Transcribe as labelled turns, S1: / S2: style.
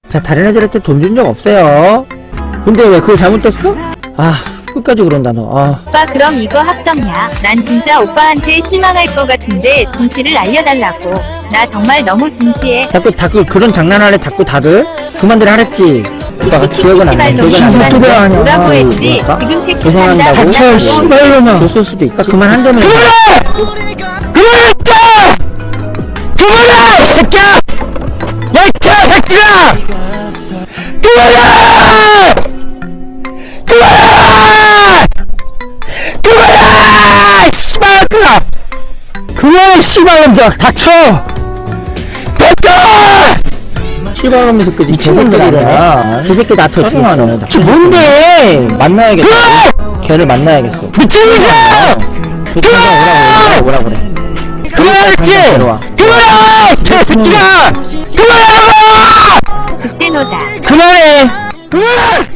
S1: 자, 다른 애들한테 돈 준 적 없어요. 근데 왜 그걸 잘못했어? 아, 끝까지 그런다 너. 아.
S2: 오빠 그럼 이거 합성이야. 난 진짜 오빠한테 실망할 것 같은데 진실을 알려달라고. 나 정말 너무 진지해.
S1: 자꾸 그런 장난하래 자꾸 다들 그만들 하랬지. 오빠가 기억은 안 나. 기억은 안 나.
S2: 시발놈이
S1: 아니야.
S2: 뭐라고 했지?
S1: 그러니까?
S2: 지금 택시
S1: 죄송한다고.
S2: 탄다.
S1: 닥쳐, 씨발놈아. 줬을 수도 있다. 그만한다며.
S3: 그만했다! 그만해! 이 새끼야! 야, 이 새끼야! 그만해! 그만해! 그만해! 씨발놈아! 그만해, 씨발놈들아! 닥쳐! 됐다!
S1: 씨발놈이 새끼 이 친구들 아니야. 그 새끼 나터 지금.
S3: 저 뭔데?
S1: 만나야겠어.
S3: 그만해!
S1: 걔를 만나야겠어.
S3: 미친놈이야!
S1: 그 친구가 오라고 그래.
S3: 그만했지!
S1: 데려와.
S3: 그만해! 새끼야! 그만해!
S2: 그때 너다.
S3: 그만해!